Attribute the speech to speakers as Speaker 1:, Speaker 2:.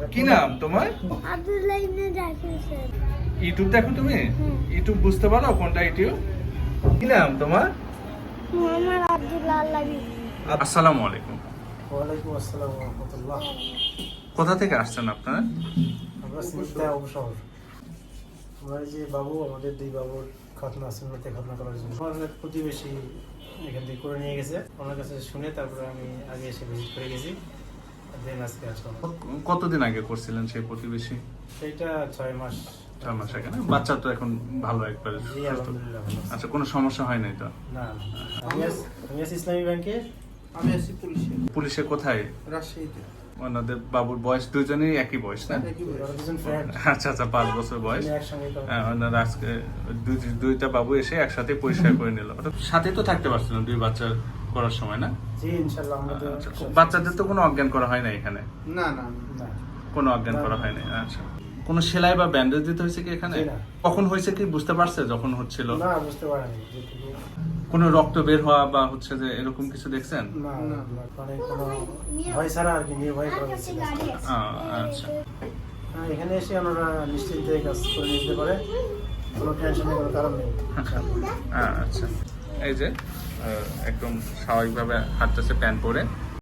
Speaker 1: কি নাম তোমার?
Speaker 2: আব্দুল্লাহ ইবনে জাকির স্যার।
Speaker 1: ইউটিউব দেখো তুমি? ইউটিউব বুঝতে পারো কোনটা ইউটিউব? কি নাম তোমার?
Speaker 2: মোহাম্মদ আব্দুল্লাহ আল্লাবি।
Speaker 1: আসসালামু আলাইকুম।
Speaker 3: ওয়ালাইকুম আসসালাম ওয়া রাহমাতুল্লাহ।
Speaker 1: কোথা থেকে আসছেন আপনারা?
Speaker 3: আমরা সিলতা অবসর। আমরা এই যে বাবু, আমাদের দুই বাবুর খতনা সুন্নতে খতনা করার জন্য আমাদের প্রতিবেশী এখান থেকে করে নিয়ে গেছে। ওনার কাছে শুনে তারপরে আমি আগে এসে ভিজিট করে গেছি, দেন আজকে আসলাম।
Speaker 1: কতদিন আগে করছিলেন সেই প্রতিবেশী?
Speaker 3: সেইটা 6 মাস।
Speaker 1: 6 মাস আগে না? বাচ্চা তো এখন ভালো একবারে
Speaker 3: জি
Speaker 1: সুস্থ।
Speaker 3: আলহামদুলিল্লাহ ভালো আছে।
Speaker 1: আচ্ছা, কোনো সমস্যা হয় নাই তো?
Speaker 3: না আমি আছি ইসলামী ব্যাংকে।
Speaker 4: আমি আছি পুলিশে,
Speaker 1: পুলিশে কোথায়?
Speaker 4: রাজশাহীতে।
Speaker 1: ওনাদের বাবুর বয়স দুজনেই একই বয়স না?
Speaker 3: ওরা দুজন ফ্রেন্ড,
Speaker 1: আচ্ছা আচ্ছা, 5 বছর বয়স।
Speaker 3: একসঙ্গে কাজ
Speaker 1: হ্যাঁ, ওনারা আজকে দুইটা বাবু এসে একসাথে পরিষ্কার করে নিল। সাথে তো থাকতে পারছিলেন দুই বাচ্চা করার সময় না?
Speaker 3: জি ইনশাআল্লাহ আমাদের
Speaker 1: আচ্ছা, বাচ্চাদের তো কোনো অজ্ঞান করা হয় না এখানে?
Speaker 4: না না
Speaker 3: না
Speaker 1: কোনো অজ্ঞান করা হয় না। আচ্ছা, কোনো সেলাই বা ব্যান্ডেজ দিতে হয়েছে কি এখানে?
Speaker 3: জি না।
Speaker 1: কখন হয়েছে কি বুঝতে পারছে যখন হচ্ছিল?
Speaker 3: না বুঝতে পারিনি যেটুকু।
Speaker 1: কোনো রক্ত বের হওয়া বা হচ্ছে যে এরকম কিছু দেখছেন?
Speaker 3: না না মানে কোনো ভয় ছাড়া আর কি, নির্ভয় করা যাচ্ছে না।
Speaker 1: আচ্ছা,
Speaker 3: হ্যাঁ, এখানে এসে ওনারা নিশ্চিন্তে কাজ করে নিতে পারে, কোনো টেনশনের কোনো কারণ নেই।
Speaker 1: আচ্ছা। এই যে একদম স্বাভাবিকভাবে হাঁটতেছে প্যান্ট পরে।